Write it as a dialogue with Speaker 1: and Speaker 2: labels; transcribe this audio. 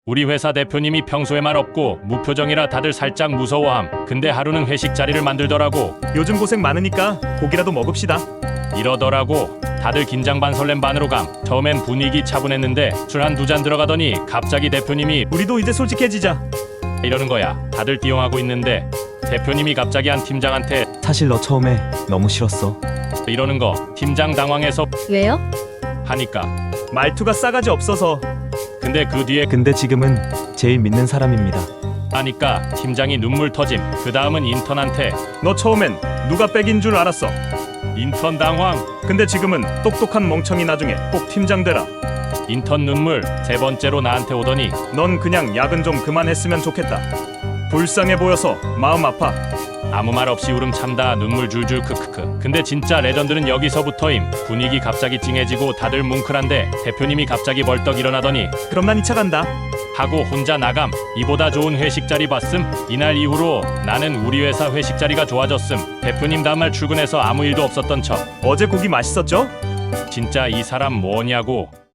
Speaker 1: 우리 회사 대표님이 평소에 말 없고 무표정이라 다들 살짝 무서워함. 근데 하루는 회식 자리를 만들더라고.
Speaker 2: 요즘 고생 많으니까 고기라도 먹읍시다.
Speaker 1: 이러더라고. 다들 긴장 반 설렘 반으로 감. 처음엔 분위기 차분했는데 술 한 두 잔 들어가더니 갑자기 대표님이
Speaker 2: 우리도 이제 솔직해지자.
Speaker 1: 이러는 거야. 다들 띠용하고 있는데 대표님이 갑자기 한 팀장한테
Speaker 3: 사실 너 처음에 너무 싫었어.
Speaker 1: 이러는 거. 팀장 당황해서
Speaker 4: 왜요?
Speaker 1: 하니까.
Speaker 2: 말투가 싸가지 없어서.
Speaker 1: 근데 그 뒤에
Speaker 3: 근데 지금은 제일 믿는 사람입니다.
Speaker 1: 하니까 팀장이 눈물 터짐. 그 다음은 인턴한테
Speaker 2: 너 처음엔 누가 백인 줄 알았어.
Speaker 1: 인턴 당황.
Speaker 2: 근데 지금은 똑똑한 멍청이 나중에 꼭 팀장 되라.
Speaker 1: 인턴 눈물. 세 번째로 나한테 오더니
Speaker 2: 넌 그냥 야근 좀 그만했으면 좋겠다. 불쌍해 보여서 마음 아파.
Speaker 1: 아무 말 없이 울음 참다 눈물 줄줄 크크크. 근데 진짜 레전드는 여기서부터임. 분위기 갑자기 찡해지고 다들 뭉클한데 대표님이 갑자기 벌떡 일어나더니
Speaker 2: 그럼 난 2차 간다.
Speaker 1: 하고 혼자 나감. 이보다 좋은 회식 자리 봤음. 이날 이후로 나는 우리 회사 회식 자리가 좋아졌음. 대표님 다음날 출근해서 아무 일도 없었던 척.
Speaker 2: 어제 고기 맛있었죠?
Speaker 1: 진짜 이 사람 뭐냐고.